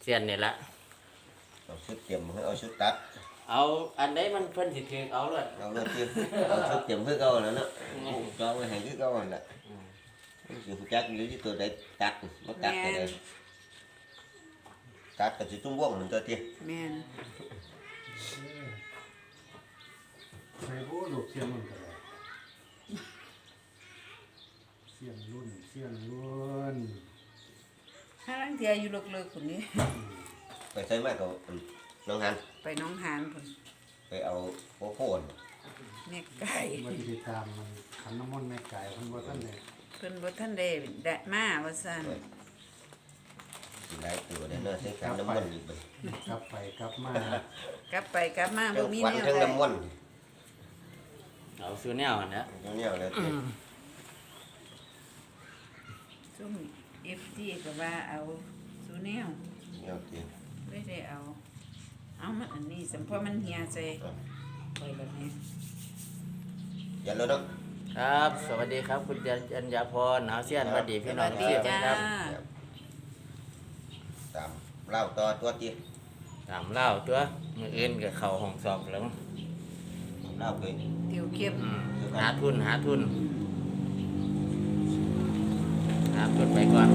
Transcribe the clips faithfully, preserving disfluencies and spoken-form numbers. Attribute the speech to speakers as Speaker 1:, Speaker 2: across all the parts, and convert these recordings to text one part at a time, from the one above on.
Speaker 1: ซียนนี่ละ
Speaker 2: เอาชุดเตรียมเอาชุดตัด
Speaker 1: เอาอันใดมันเพิ่นสิถือเอาเลย
Speaker 2: เอาเลยที่เอาชุดเตรียมเพื่อเก่าแล้วเนาะจองไว้ให้คือเก่านั่นแหละสิฮู้จักอยู่ที่ตัวใดตัดบ่ตัดก็ได้ตัดก็สิจุ่มวงนั่นตัวที่
Speaker 3: แม่น
Speaker 4: ใส่โบ้ลูกเสียงมันก็ได้เสียงรุ่นเสียงรุ่น
Speaker 3: ถ้าลังเทียอยู่เลิกๆคนนี้
Speaker 2: ไปใส่มาก็น้องหัน
Speaker 3: ไปน้องหานพุ่น
Speaker 2: ไปเอาโคโค่
Speaker 3: แม่ไก่
Speaker 4: มันสิตามมันขันน้ำมนต์แม่ไก่เพิ่นบ่ทันได้
Speaker 3: เพิ่นบ่ทันได้ได้มาว่าซั่น
Speaker 2: ได้ตัวได้เนาะใช้ขันน้ำมนต์อีกบัด
Speaker 4: กลับไปกลับมาก
Speaker 3: ลับไปกลับมาบ่มีแนว
Speaker 2: ทั้งน้ำมนต์
Speaker 1: เอาซื้อแนวอันนี้
Speaker 2: เอาแนวเลย
Speaker 3: ซุ่ม เอฟ ซี ก็ว่าเอาซูแนว
Speaker 2: แนวที่
Speaker 3: ไม่ได้เอาเอามันอันนี้สัมพอมันเหี่ยใส่ไปแบบนี้
Speaker 2: ยันแล้วเนาะ
Speaker 1: ครับ สวัสดีครับคุณจันยาพรหนาวเสี้ยนสวัสดีพี่น้องเสี้ยนครับ
Speaker 2: ตามเล่าต่อตัวจี
Speaker 1: ตามเล่าตัวมืออื่นกับเข่าห้องสอบแล้ว
Speaker 2: เล่าไป
Speaker 3: เกี่ยวเข้ม
Speaker 1: หาทุนหาทุนหาทุนไปก่อน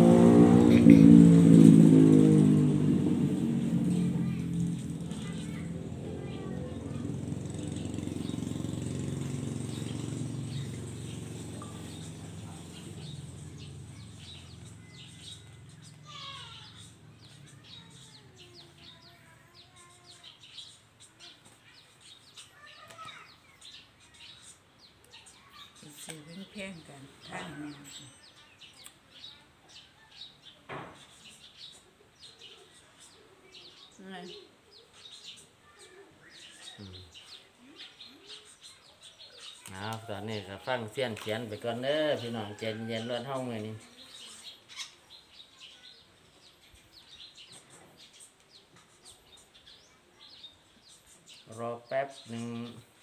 Speaker 3: ซื้อแพงกันท่านเนี่ย
Speaker 1: เอาตอนนี้ก็ฟังเสี้ยนเขียนไปก่อนเด้อพี่น้องเย็นเย็นรถห้องมือนี้รอแป๊บหนึ่ง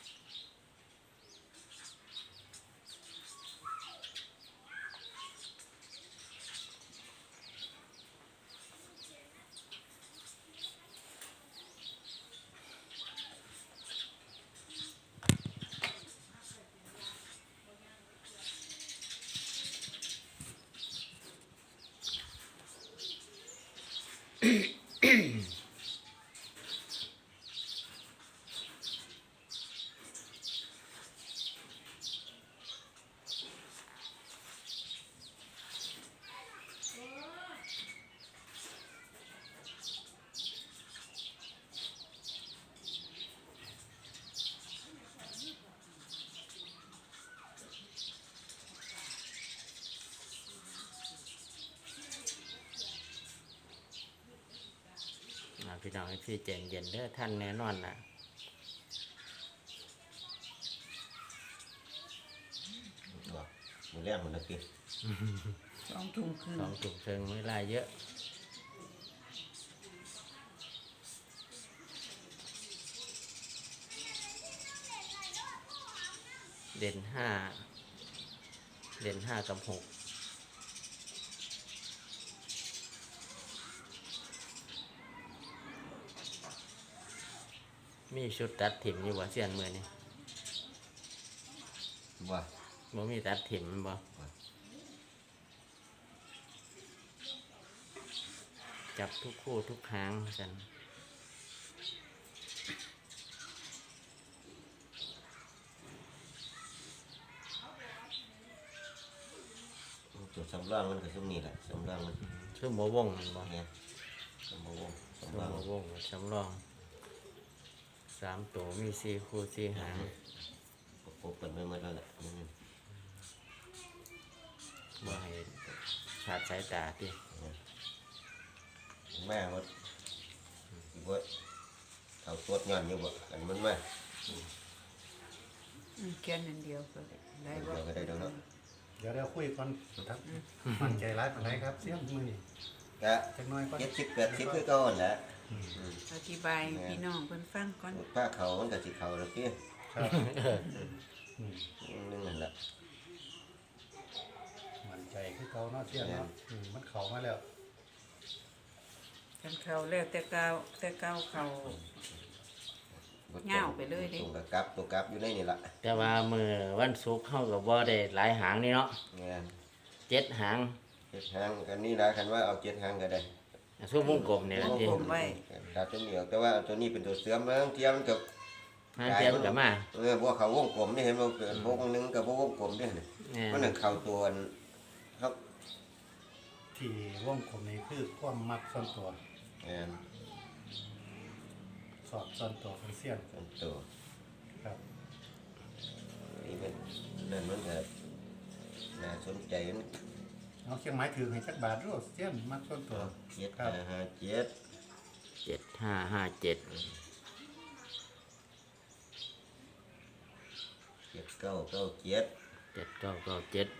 Speaker 1: พี่น้องพี่เจนเย็นเด้อท่านแน่นอนนะ
Speaker 2: มือแรกมันนะพี่
Speaker 3: สองถุงครึ่ง
Speaker 1: สองถุงเชิงไม่ลายเยอะเด่นห้าเด่นห้ากับหกมีชุดตัดถิ่มอยู่บ่เสียนมือนี่
Speaker 2: บ่
Speaker 1: บ่มีตัดถิ่มบ่จับทุกคู่ทุกครั้งกัน
Speaker 2: ตัวสำรองมันก็ช่วงนี้แหละสำรองมัน
Speaker 1: ช่วงโมวงมันบ่
Speaker 2: เนี่ยสำรอง
Speaker 1: สำรองโมวงสำรองสามตัวมีสี่คู่สี่หาง
Speaker 2: ประกบกันไปหมดแล้วแหละ
Speaker 1: บ่ให้ขาดสายตาที่
Speaker 2: แม่ว่าว่าเอาตัวงานอยู่บ่อันมันแม่
Speaker 3: แค่นั้นเดียวก็ได้บ่
Speaker 2: ก็ได้ดอกเนาะ
Speaker 4: เดี๋ยวเราคุยก่อนครับมันใจร้ายปานใดครับเสียงมือนี่
Speaker 2: ก็จักหน่อยก่อนเจ็ดสิบแปดสิบคือเก่านั่นแหละ
Speaker 3: อธิบายพี่น้องเพิ่นฟังก่อน
Speaker 2: ผ้าเขามันก็สิเขาแล้วพี่
Speaker 4: ครับ
Speaker 2: นั่นแหละ
Speaker 4: มันใจคือเก่าเนาะเสียงเนาะมันเข้ามาแล้ว
Speaker 3: กันเขาแล้วแต่เก่าแต่เก่าเขา เงาไปเลยดิ
Speaker 2: ตัวกลับตัวกลับอยู่ในนี่ละ
Speaker 1: แต่ว่ามือวันศุกร์เข้ากับบ่ได้หลายหางนี่เนาะ
Speaker 2: งาน
Speaker 1: เจ็ดหาง
Speaker 2: เจ็ดหางกันนี่ละคันว่าเอาเจ็ดหางก็ได้
Speaker 1: ช่วงวงกลมเนี่ยนะที่
Speaker 3: ผมไว้
Speaker 2: ตัดตัวเหนียวแต่ว่าเอาตัวนี้เป็นตัวเสื่อมแล้วเทียมกับ
Speaker 1: หางเทียมกับมา
Speaker 2: เออพวกเขาวงกลมนี่เห็นบ่เกิดวงหนึงกับพวกวงกลมนี่
Speaker 1: แน่
Speaker 2: มันนั่นเข้าตัวอันครับ
Speaker 4: ที่วงกลมนี้คือความมักส่วนตัว
Speaker 2: งาน
Speaker 4: สอบส่วนตัวของเสี้ยน
Speaker 2: เป็นตัว
Speaker 4: ครับ
Speaker 2: นี่มันนั่นมันก็น่าสนใจมัน
Speaker 4: เอาเชียงไม้ถือให้จักบาทรู้เสี้ยนมักส่วนตัว
Speaker 2: เจ็ด
Speaker 4: ครับ
Speaker 2: ห้าห้าเจ็ด
Speaker 1: เจ็ดห้าห้าเจ็ด
Speaker 2: เจ็ดเก้าเก้าเจ็ด
Speaker 1: เจ็ดเก้าเก้าเจ็ด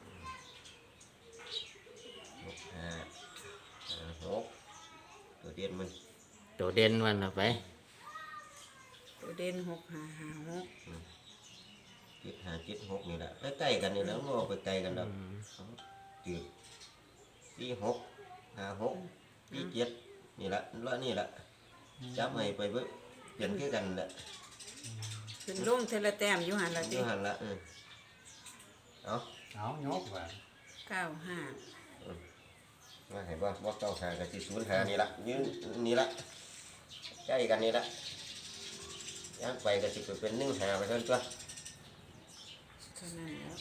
Speaker 2: หกห้าห้าหกตัวเดียนมัน
Speaker 1: ตัวเด่นวันละไป
Speaker 3: ตัวเด่นหกห้าห้าหก
Speaker 2: เจ็ดห้าเจ็ดหกนี่แหละใกล้ๆกันนี่แหล้วมันออกไปไกลกันแล้วจืดสี่หกห้าหกสี่เจ็ดนี่แหละแล้วนี่แหละจับให้ไปเบิ่งเปลี่ยนคือกันแหละ
Speaker 3: ขึ้นลงเทละแต้มอยู่หันละ
Speaker 2: อ
Speaker 3: ติ
Speaker 2: ยู่หันละเออเอา
Speaker 4: เอายกว่า
Speaker 3: เก้าห้า
Speaker 2: มาให้ว่าว่าเก้าหากับสี่ศูนย์หานี่ละยืนนี่ละใกล้กันนี่ละย่างไปก็สิไปเป็นหนึ่งหาไปเท่านั้นตัว
Speaker 3: เท่านั้นแล้ว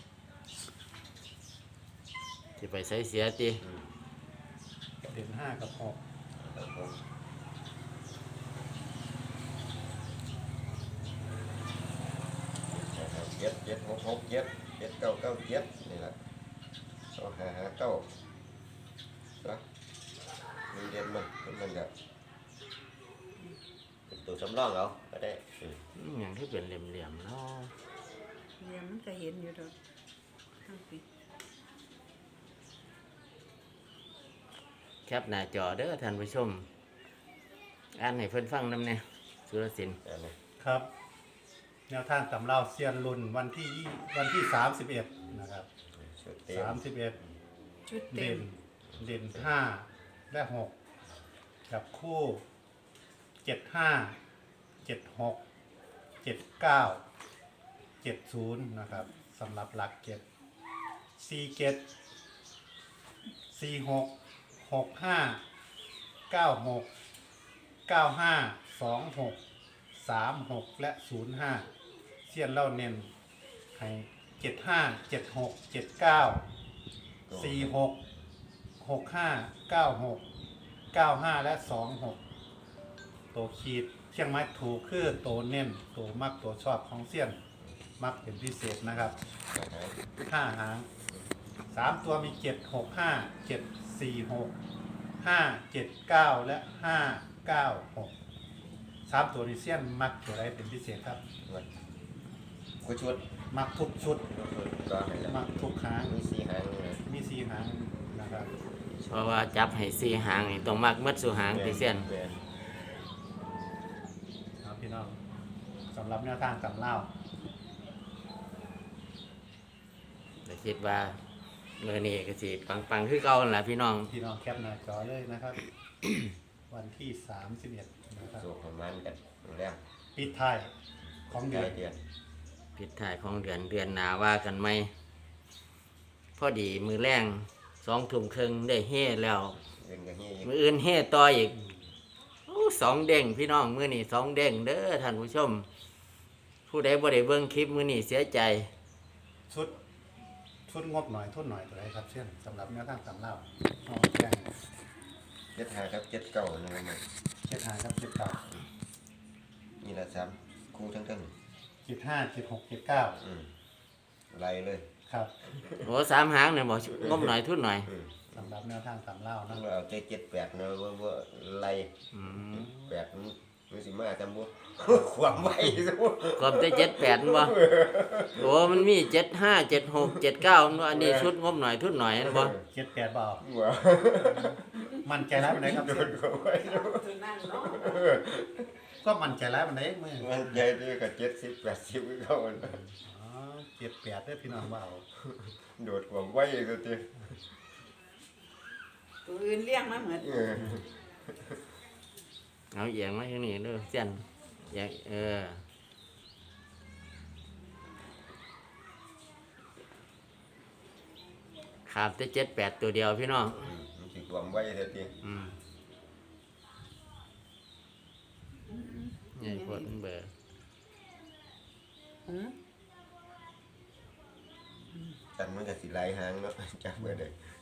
Speaker 1: ที่ไปใช้เสียตี
Speaker 4: เด่นห้ากับหก
Speaker 2: เจ็ดเจ็ดหกหกเจ็ดเจ็ดเก้าเก้าเจ็ดนี่แหละสองหาหาเก้านะมันเรียนมันมันก็เป็นตัวสำรองเอาก็ได้อืม
Speaker 1: อย่างที่เป็นเหลี่ยมๆเนาะ
Speaker 3: เรียนมันก็เห็นอยู่ดอกทั้งปี
Speaker 1: แคปหน้าจอเด้อท่านผู้ชมอ่านให้เพิ่นฟังนำเนี่ยสุรศิลป์
Speaker 2: อันนี้
Speaker 4: ครับแนวทางตำเล่าเซียนรุ่นวันที่ยี่วันที่สามสิบเอ็ดนะครับ
Speaker 2: ชุดเต็
Speaker 4: สาม
Speaker 2: ม
Speaker 4: สิบเอ็ด
Speaker 3: ชุดเต็
Speaker 4: เด่
Speaker 3: ม
Speaker 4: นเด่นห้าและหกกับคู่เจ็ดห้าเจ็ดหกเจ็ดเก้าเจ็ดศูนย์นะครับสำหรับหลักเจ็ดสี่เจ็ดสี่หกหกห้าเก้าหกเก้าห้าสองหกสามหกและศูนย์ห้าเสี้ยนเล่าเน้นให้เจ็ดห้าเจ็ดหกเจ็ดเก้าสี่หกหกห้าเก้าหกเก้าห้าและสองหกตัวขีดเชียงไม้ถูกคือตัวเน้นตัวมักตัวชอบของเสี้ยนมักเป็นพิเศษนะครับห้าหางสามตัวมีเจ็ดหกห้าเจ็ดสี่หกห้าเจ็ดเก้าและห้าเก้าหกสามตัวนี้เสี้ยนมักตัวใดเป็นพิเศษครับ
Speaker 2: กูชุด
Speaker 4: มักทุกชุด
Speaker 2: ชุดก็ให้แล้ว
Speaker 4: มักทุกหาง
Speaker 2: มีสี่หางเลย
Speaker 4: มีสี่หางนะครับ
Speaker 1: เพราะว่าจับให้สี่หางนี่ต้องมักมัดสู่หางที่เส้น
Speaker 2: แม่น
Speaker 4: ครับพี่น้องสำหรับแนวทางตำเล่า
Speaker 1: แต่คิดว่าเมื่อนี้ก็สิปังๆคือเก่านั่นล่ะพี่น้อง
Speaker 4: พี่น้องแคปหน้าจอเลยนะครับ วันที่สามสิบเอ็ดนะครับ
Speaker 2: สู้ประมาณกันแล้ว
Speaker 4: ปิดท้ายของ
Speaker 2: ใก
Speaker 4: เดื
Speaker 2: ล้
Speaker 4: อน
Speaker 2: เดือน
Speaker 1: ปิดท้ายของเดือนเดือนหนาว่ากันไหมพอดีมือแรงสองทุ่มครึ่งได้เฮ่แล้ว
Speaker 2: เรื่องอย่างนี้อีก
Speaker 1: มืออื่นเฮ่ต่ออีกโอ้สองเด้งพี่น้องมือนี่สองเด้งเด้อท่านผู้ชม ผู้ใดบ่ได้เบิ่งคลิปมือนี่เสียใจ
Speaker 4: ชุดชุดงบหน่อยทุนหน่อยตัวไหนครับเช่นสำหรับแนวทางตำเล่าเอาแจ้ง
Speaker 2: เจ็ดหากับเจ็ดเก้านี่มัน
Speaker 4: เจ็ดห้าครับเจ็ดเก้า
Speaker 2: นี่ละสามคู่ทั้งทั้ง
Speaker 4: เจ็ดห้าเจ็ดหกเจ็ดเก้า
Speaker 2: อืมไล่เลย
Speaker 4: ครับ
Speaker 1: โอ้สามหางเนี่ยบอกงบหน่อยทุนหน่อย
Speaker 2: อืม
Speaker 4: สำหรับแนวทางตำเล่า
Speaker 2: ต้
Speaker 4: นะ
Speaker 2: องเอาใจเจ็ดแปดนะว่าว่าไล่
Speaker 1: อืม
Speaker 2: แปดมันมันสิมาจำบ่ ความไวซะบ่
Speaker 1: กบได้เจ็ดแปดบ่โอ้มันมีเจ็ดห้าเจ็ดหกเจ็ดเก้าอันนี้ชุดงบหน่อยทุนหน่อยนะบ่
Speaker 4: เจ็ดแปดบาท
Speaker 2: ว่า
Speaker 4: มันใจร้ายมันไหนครับ
Speaker 2: โด
Speaker 4: เช่
Speaker 2: น
Speaker 4: น
Speaker 2: ความไวซะบ่
Speaker 3: ตัวนั่นเนาะ
Speaker 4: ก็มันใจร้ายมันไหนมือ
Speaker 2: มันใจดีกับเจ็ดสิบแปดสิบเข้ามัน
Speaker 4: อ๋อเจ็ดแปดได้อพี่น้องว่าเอา
Speaker 2: โดดความไวซะติ
Speaker 3: ตัวอื่นเลี้ยงมาเหมือน
Speaker 2: เออ
Speaker 1: เอาเอียงมาทางนี้เด้อเสียนเอียงเออขาดแต่เจ็ดแปดตัวเดียวพี่น้อง
Speaker 2: อืมมันสิรวมไว้เท่าที
Speaker 1: อืมใหญ่ปวดเบอร์
Speaker 3: หือ
Speaker 2: กันมันก็สิหลายหางเนาะ จักเบิดเลย